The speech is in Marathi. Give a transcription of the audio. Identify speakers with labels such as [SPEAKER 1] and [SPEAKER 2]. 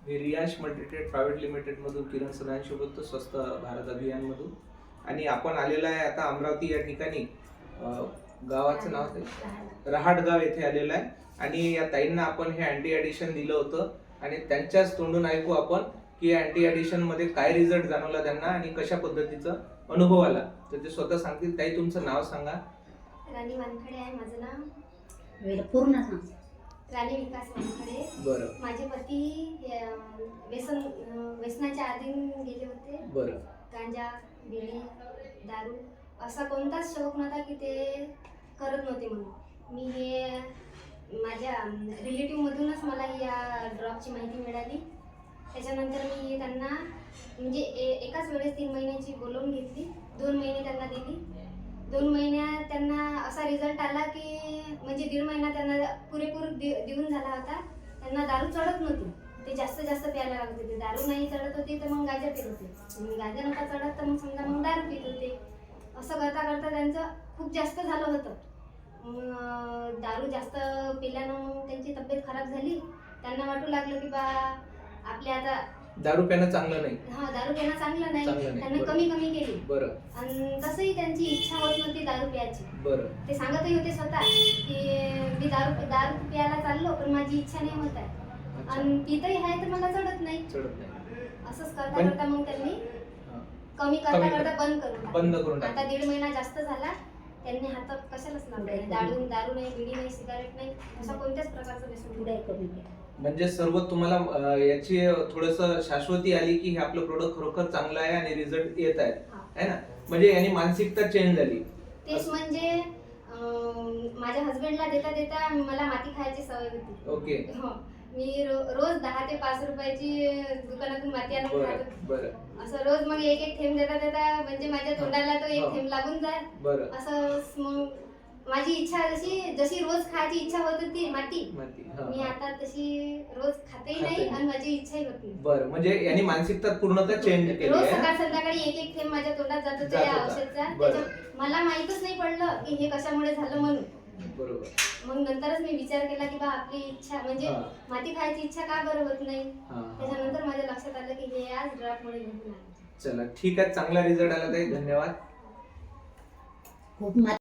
[SPEAKER 1] मी रियांश मल्टीट्रेड प्रायव्हेट लिमिटेड मधून किरण सदांशी बोलतो, स्वस्थ भारत अभियान मधून. आणि आपण आलेला आहे आता अमरावती या ठिकाणी, गावाचं नाव ते रहाटगाव येथे आलेलं आहे. आणि या ताईंना आपण हे अँटी ॲडिशन दिलं होतं आणि त्यांच्याच तोंडून ऐकू आपण की अँटी ॲडिशन मध्ये काय रिझल्ट जाणवला त्यांना आणि कशा पद्धतीचा अनुभव आला. तर ते स्वतः सांगतील. ताई, तुमचं नाव सांगा.
[SPEAKER 2] राणी वानखडे आहे माझं नाव.
[SPEAKER 3] पूर्ण सांग.
[SPEAKER 2] राणी विकास वानखडे.
[SPEAKER 1] बरं.
[SPEAKER 2] माझे पती व्यसनाच्या अधीन गेले होते.
[SPEAKER 1] बरं.
[SPEAKER 2] गांजा, बिडी, दारू असा कोणताच शौक नव्हता की ते करत नव्हते म्हणून. मी हे माझ्या रिलेटिव्ह मधूनच मला या ड्रॉपची माहिती मिळाली. त्याच्यानंतर मी त्यांना म्हणजे एकाच वेळेस 3 महिन्याची बोलवून घेतली. 2 महिने त्यांना दिली. 2 महिन्यात त्यांना असा रिझल्ट आला की म्हणजे 1.5 महिना त्यांना पुरेपूर देऊन झाला होता. त्यांना दारू चढत नव्हती. ते जास्त प्यायला लागत होते. दारू नाही चढत होती तर मग गांजा पित होते. गांजा नव्हता चढत तर मग समजा मग दारू पित होते. असं करता करता त्यांचं खूप जास्त झालं होतं. दारू जास्त पिल्यानं मग त्यांची तब्येत खराब झाली. त्यांना वाटू लागलं की बा आपल्या आता
[SPEAKER 1] दारू पिणं चांगलं नाही.
[SPEAKER 2] दारू पिणं चांगलं नाही. त्यांना
[SPEAKER 1] बरं.
[SPEAKER 2] कमी केली.
[SPEAKER 1] बरं.
[SPEAKER 2] आणि तसंही त्यांची इच्छा होत नव्हती दारू प्यायची.
[SPEAKER 1] बरं.
[SPEAKER 2] ते सांगतही होते स्वतः की मी दारू प्यायला चाललो पण माझी इच्छा नाही होत आहे आणि पितही आहे तर मला चढत नाही. असंच करता करता मग त्यांनी कमी करता बंद करून आता 1.5 महिना जास्त झाला. त्यांनी हातात कशालाच लावलं. दारू नाही, बिडी नाही, सिगारेट नाही, असा कोणत्याच प्रकारचं व्यसन नाही.
[SPEAKER 1] म्हणजे सर्व तुम्हाला याची थोडंसं शाश्वती आली की हे आपलं प्रोडक्ट खरोखर चांगलं आहे आणि रिझल्ट येत आहे ना. म्हणजे यानी मानसिकता चेंज झाली.
[SPEAKER 2] तेच म्हणजे माझ्या हस्बंडला देता मला माती खायची सवय होती.
[SPEAKER 1] ओके.
[SPEAKER 2] मी रोज 10 ते 5 रुपयाची दुकानातून माती आणून खात होते.
[SPEAKER 1] बरं.
[SPEAKER 2] असं रोज मग एक थेंब देता म्हणजे माझ्या तोंडाला तो एक थेंब लागून जाय.
[SPEAKER 1] बरं.
[SPEAKER 2] असं मग माझी इच्छा जशी रोज खायची इच्छा होत होती माती, मी आता तशी रोज खातेही नाही आणि माझी इच्छाही होत नाही.
[SPEAKER 1] बरं. म्हणजे यानी मानसिकता पूर्णतः चेंज केली.
[SPEAKER 2] रोज सकाळ संध्याकाळी एक थेंब माझ्या तोंडात जात होता या औषधचा. मला माहितच नाही पडलं की हे कशामुळे झालं म्हणून.
[SPEAKER 1] बरोबर.
[SPEAKER 2] मग नंतरच मी विचार केला की बा आपली इच्छा म्हणजे माती खायची इच्छा का बरं होत नाही. त्याच्यानंतर माझ्या लक्षात आलं की हे आज ड्रॉपमुळे घडून आलं.
[SPEAKER 1] चला, ठीक आहे. चांगला रिझल्ट आला ताई. धन्यवाद.
[SPEAKER 3] खूप